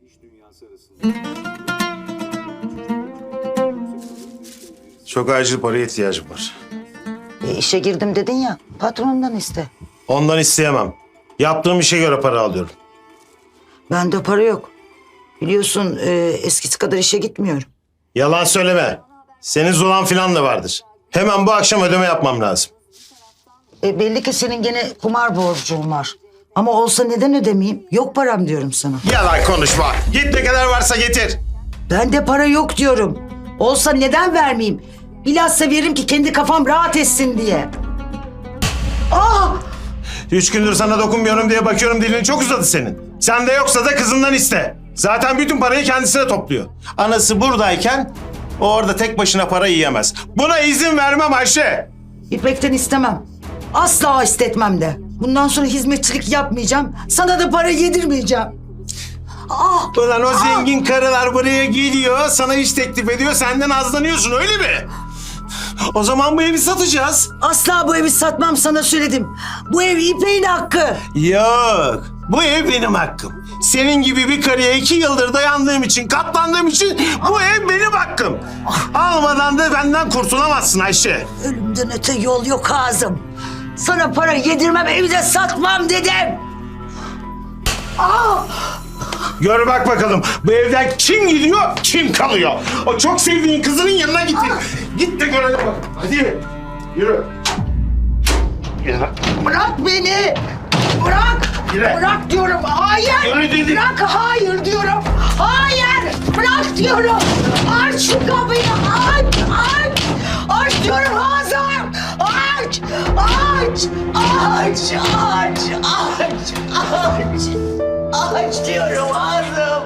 Çok acil paraya ihtiyacım var. İşe girdim dedin ya, patronundan iste. Ondan isteyemem. Yaptığım işe göre para alıyorum. Bende para yok. Biliyorsun eskisi kadar işe gitmiyorum. Yalan söyleme. Senin zulan filan da vardır. Hemen bu akşam ödeme yapmam lazım. Belli ki senin gene kumar borcun var. Ama olsa neden ödemeyeyim? Yok param diyorum sana. Yalan konuşma. Git ne kadar varsa getir. Bende para yok diyorum. Olsa neden vermeyeyim? Bilhassa veririm ki kendi kafam rahat etsin diye. Ah! 3 gündür sana dokunmuyorum diye bakıyorum, dilin çok uzadı senin. Sende yoksa da kızından iste. Zaten bütün parayı kendisine topluyor. Anası buradayken o orada tek başına para yiyemez. Buna izin vermem Ayşe. İpek'ten istemem. Asla istetmem de. Bundan sonra hizmetçilik yapmayacağım. Sana da para yedirmeyeceğim. Ah! Ulan o zengin karılar buraya geliyor, sana iş teklif ediyor, senden azlanıyorsun öyle mi? O zaman bu evi satacağız. Asla bu evi satmam, sana söyledim. Bu ev İpek'in hakkı. Yok, bu ev benim hakkım. Senin gibi bir karıya 2 yıldır dayandığım için, katlandığım için bu ev benim hakkım. Almadan da benden kurtulamazsın Ayşe. Ölümden öte yol yok ağzım. Sana para yedirmem, evi de satmam dedim. Ah! Gör bak bakalım bu evden kim gidiyor, kim kalıyor. O çok sevdiğin kızının yanına git. Git de görelim bak. Hadi yürü. Yürü. Bırak beni! Bırak! Yürü. Bırak diyorum! Hayır! Yürü dedim. Bırak! Hayır diyorum! Hayır! Bırak diyorum! Aç şu kapıyı! Aç! Aç! Aç diyorum Hazar! Aç! Aç! Aç! Aç! Aç! Aç! Aç diyorum Hazım!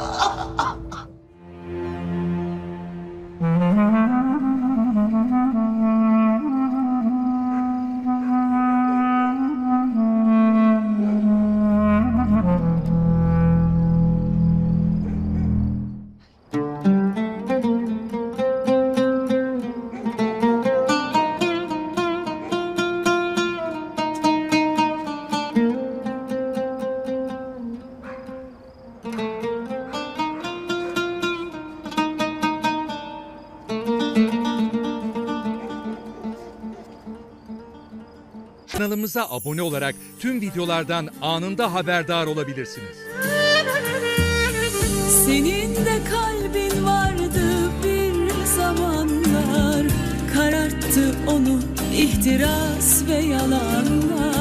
Kanalımıza abone olarak tüm videolardan anında haberdar olabilirsiniz. Senin de kalbin vardı bir zamanlar, kararttı onu ihtiras ve yalanlar.